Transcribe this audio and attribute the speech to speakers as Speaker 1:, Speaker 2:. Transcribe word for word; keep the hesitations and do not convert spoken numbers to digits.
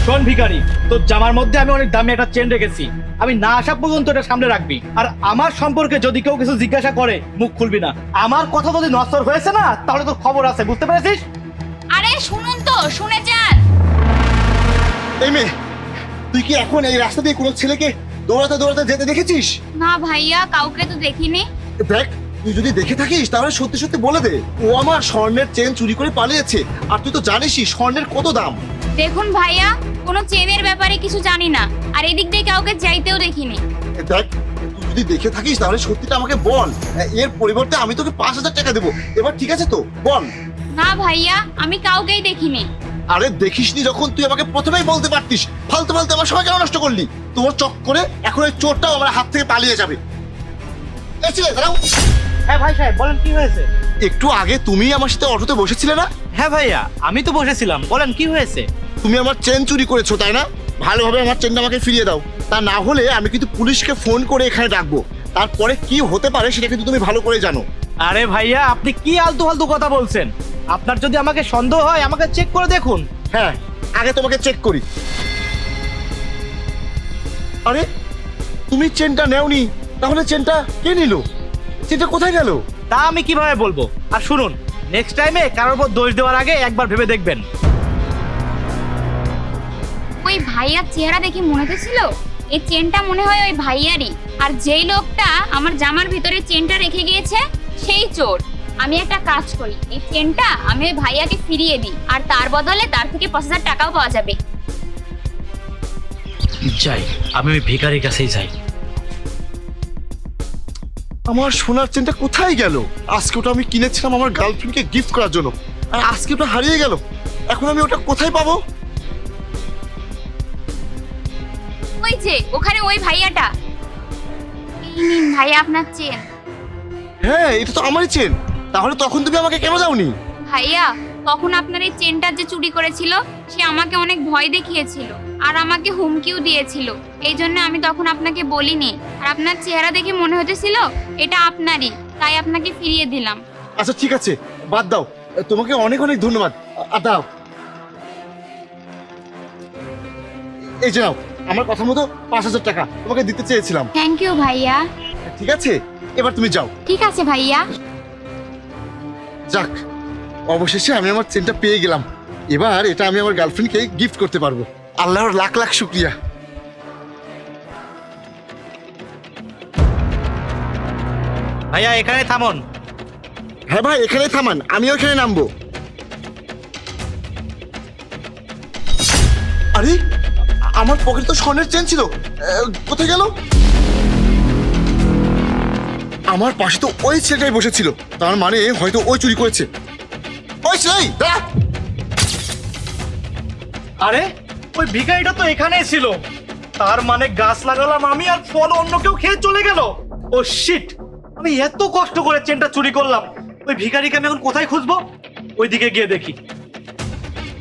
Speaker 1: শোন ভিখারি, তোর জামার মধ্যে আমি অনেক দামি একটা চেন রেখেছি, আমি না আসা পর্যন্ত এটা সামনে রাখবি। আর আমার সম্পর্কে যদি কেউ কিছু জিজ্ঞাসা করে মুখ খুলবি না। আমার কথা যদি নষ্ট হয়েছে না তাহলে তোর খবর আছে, বুঝতে পেরেছিস?
Speaker 2: আরে শুনুন তো, শুনে যান।
Speaker 3: এই মেয়ে, তুই কি এখন এই রাস্তা দিয়ে কোনো ছেলেকে দৌড়াতে দৌড়াতে যেতে দেখেছিস?
Speaker 2: না ভাইয়া, কাউকে তো দেখিনি।
Speaker 3: দেখ, তুই যদি দেখে থাকিস তাহলে সত্যি সত্যি বলে দে। ও আমার স্বর্ণের চেন চুরি করে পালিয়েছে, আর তুই তো জানিসই স্বর্ণের কত দাম।
Speaker 2: দেখুন ভাইয়া, কোনো চেনের ব্যাপারে কিছু জানি না, আর এদিক দিয়ে কাউকে যাইতেও দেখিনি।
Speaker 3: দেখ, তুই যদি দেখে থাকিস তাহলে সত্যিটা আমাকে বল, এর পরিবর্তে আমি তোকে পাঁচ হাজার টাকা দেবো। এবার ঠিক আছে তো, বল।
Speaker 2: না ভাইয়া, আমি কাউকেই দেখিনি।
Speaker 3: আরে দেখিসনি যখন তুই আমাকে প্রথমেই বলতে পারতিস। ফালতু ফালতু আমার সময় কেন নষ্ট করলি? তোর চক্করে এখন ওই চোরটাও আমার হাত থেকে পালিয়ে যাবে। এই ছেলে, দাঁড়াও।
Speaker 1: হ্যাঁ ভাই সাহেব, বলেন কি হয়েছে?
Speaker 3: একটু আগে তুমি আমার সাথে অটোতে বসেছিলে না?
Speaker 1: হ্যাঁ ভাইয়া, আমি তো বসেছিলাম, বলেন কি হয়েছে?
Speaker 3: তুমি আমার চেন চুরি করেছো তাই না? ভালোভাবে আমার চেনটা আমাকে ফিরিয়ে দাও, তা না হলে আমি কিন্তু পুলিশকে ফোন করে এখানে ডাকবো। তারপরে কি হতে পারে সেটা কিন্তু তুমি ভালো করে জানো।
Speaker 1: আরে ভাইয়া, আপনি কি আলতু ফালতু কথা বলছেন? আপনার যদি আমাকে সন্দেহ হয় আমাকে চেক করে দেখুন।
Speaker 3: হ্যাঁ, আগে তোমাকে চেক করি। আরে তুমি চেনটা নেওনি, তাহলে চেনটা কে নিল? চেনটা কোথায় গেল?
Speaker 1: তা আমি কিভাবে বলবো? আর শুনুন, নেক্সট টাইমে কারোর উপর দোষ দেওয়ার আগে একবার ভেবে দেখবেন।
Speaker 2: ওই ভাইয়ার চেহারা দেখে মনে হচ্ছিল এই চেনটা মনে হয় ওই ভাইয়ারই, আর যেই লোকটা আমার জামার ভিতরে চেনটা রেখে গিয়েছে সেই চোর। আমি একটা কাজ করি, এই চেনটা আমি ওই ভাইয়াকে ফিরিয়ে দিই, আর তার বদলে তার থেকে পাঁচ হাজার টাকাও পাওয়া যাবে।
Speaker 1: যাই, আমি ওই ভিখারির কাছেই যাই।
Speaker 3: আমার সোনার চেনটা কোথায় গেল? আজকে ওটা আমি কিনেছিলাম আমার গার্লফ্রেন্ডকে গিফট করার জন্য, আর আজকে ওটা হারিয়ে গেল। এখন আমি ওটা কোথায় পাবো?
Speaker 2: ওই যে ওখানে ওই ভাইয়াটা। এই নিন ভাইয়া আপনার চেন।
Speaker 3: হ্যাঁ, এটা তো আমারই চেন। তাহলে তখন তুমি আমাকে কেন দাওনি?
Speaker 2: ভাইয়া, তখন আপনার এই চেনটা যে চুরি করেছিল সে আমাকে অনেক ভয় দেখিয়েছিল আর আমাকে হুমকিও দিয়েছিল, এই জন্য আমি তখন আপনাকে বলিনি। আর আপনার চেহারা দেখে মনে হতেছিল এটা আপনারই, তাই আপনাকে ফিরিয়ে দিলাম।
Speaker 3: আচ্ছা ঠিক আছে, বাদ দাও। তোমাকে অনেক অনেক ধন্যবাদ। আর দাও, এই যে নাও, আমার কথা মতো পাঁচ হাজার টাকা তোমাকে দিতে চেয়েছিলাম।
Speaker 2: থ্যাংক ইউ ভাইয়া।
Speaker 3: ঠিক আছে, এবার তুমি যাও।
Speaker 2: ঠিক আছে ভাইয়া।
Speaker 3: যাক, অবশেষে আমি আমার চেনটা পেয়ে গেলাম। এবার এটা আমি আমার গার্লফ্রেন্ডকে গিফট করতে পারবো। আল্লাহর লাখ লাখ শুক্রিয়া।
Speaker 1: ভাইয়া এখানে থামুন।
Speaker 3: হ্যাঁ ভাই, এখানে থামান, আমিও এখানে নামবো। আরে আমার পকেটে তো স্বর্ণের চেন ছিল, আহ, কোথায় গেল? আমার পাশে তো ওই ছেলেটাই বসেছিল, তার মানে হয়তো ওই চুরি করেছে। ওই ছেলে, দাঁড়া।
Speaker 1: আরে ওই ভিখারিটা তো এখানেই ছিল, তার মানে গাছ লাগালাম আমি আর ফল অন্য কেউ খেয়ে চলে গেল। ও শিট, আমি এত কষ্ট করে চেনটা চুরি করলাম, ওই ভিখারিকে আমি এখন কোথায় খুঁজবো? ওইদিকে গিয়ে দেখি।